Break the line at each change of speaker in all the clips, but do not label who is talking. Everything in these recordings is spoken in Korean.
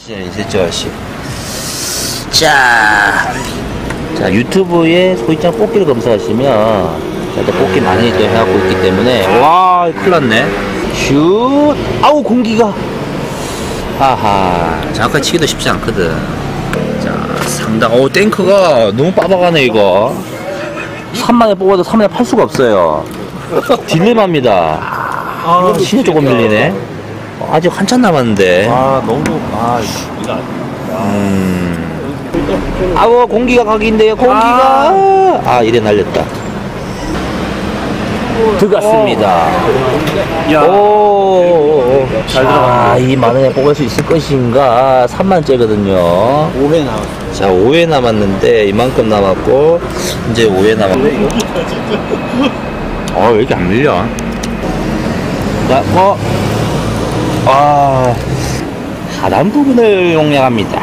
있었죠, 아씨. 자, 유튜브에 소위장 뽑기를 검색하시면 일단 뽑기 많이 또 해갖고 있기 때문에 와, 큰일 났네. 슛! 아우, 공기가. 하하, 정확하게 치기도 쉽지 않거든. 자, 상당, 탱크가 너무 빠박하네, 이거. 3만에 뽑아도 3만에 팔 수가 없어요. 딜레마입니다. 신이 조금 밀리네. 아직 한참 남았는데.
너무, 이거
아우, 공기가 각인데요, 공기가. 이래 날렸다. 들어갔습니다. 오,
잘 들어갔네.
이 만원에 뽑을 수 있을 것인가. 3만째거든요.
5회 나왔어.
자, 5회 남았는데, 이만큼 남았고, 이제 5회 남았고. 왜 이렇게 안 밀려? 자, 하단 부분을 용량합니다.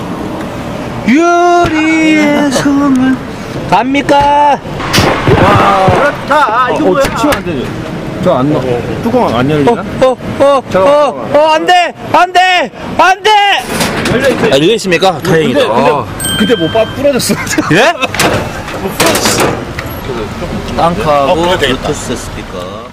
유리의 성을 갑니까?
그렇다. 이거 뭐야? 치면 안 되지. 저안 넣어. 뚜껑 안 열리나?
안 돼! 안 돼! 안 돼!
열려있어.
열려 있습니까? 다행이다.
근데 뭐 부러졌어.
예? 땅크하고 블루투스 스피커.